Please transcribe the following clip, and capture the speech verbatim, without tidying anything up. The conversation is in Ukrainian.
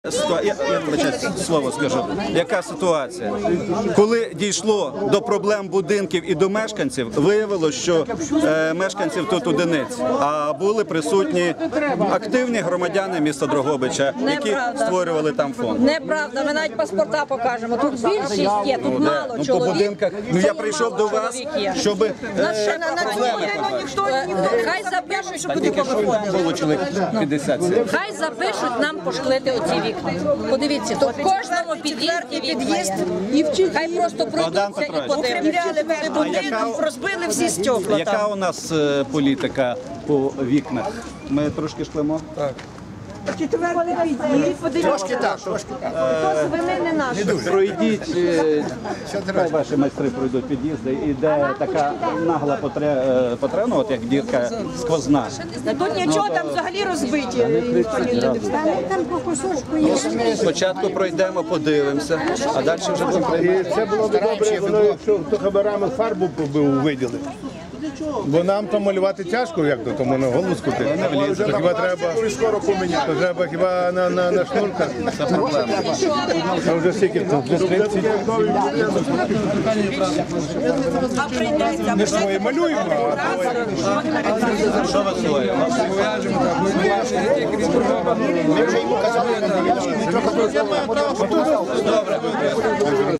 Я, я я слово скажу. Яка ситуація? Коли дійшло до проблем будинків і до мешканців, виявилося, що е, мешканців тут одиниць, а були присутні активні громадяни міста Дрогобича, які Неправда. створювали там фонд. Неправда, ми навіть паспорта покажемо. Тут більшість є, тут Ну, мало ну, по чоловік. будинках. Ну я прийшов до вас, щоб е, Нас ще на на цьому ніхто не хай запишуть, щоб туди повиходили. було чоловік п'ятдесят. Хай запишуть нам пошклити оці вікна. Подивіться, то в кожному під'їзді під'їзд і вчить. Хай просто пройдуться і подивляться. Будинок, розбили всі стекла. Яка у нас е, політика по вікнах? Ми трошки шклимо? Так. Четвертий під'їзд. Трошки так, трошки так. Свинини наші. Пройдіть, е, хай ваші майстри пройдуть під'їзди, і де така нагла потре- е, потреба, от як дірка сквозна. Тут нічого там взагалі розбиті. Там по кусочку є. Спочатку пройдемо, подивимося, а далі вже будемо приймати. Це було б добре, воно, якщо хто хабарами фарбу побив, виділи. Бо нам там малювати тяжко, як то, тому на голову скупити. То хіба треба, Скоро поміняти. то треба хіба на, на, на шнурках. Це проблема. А вже скільки тут? Вже тридцять. Ми свої малюємо, а Що ви своє? Ми вже йому казали, що він трохи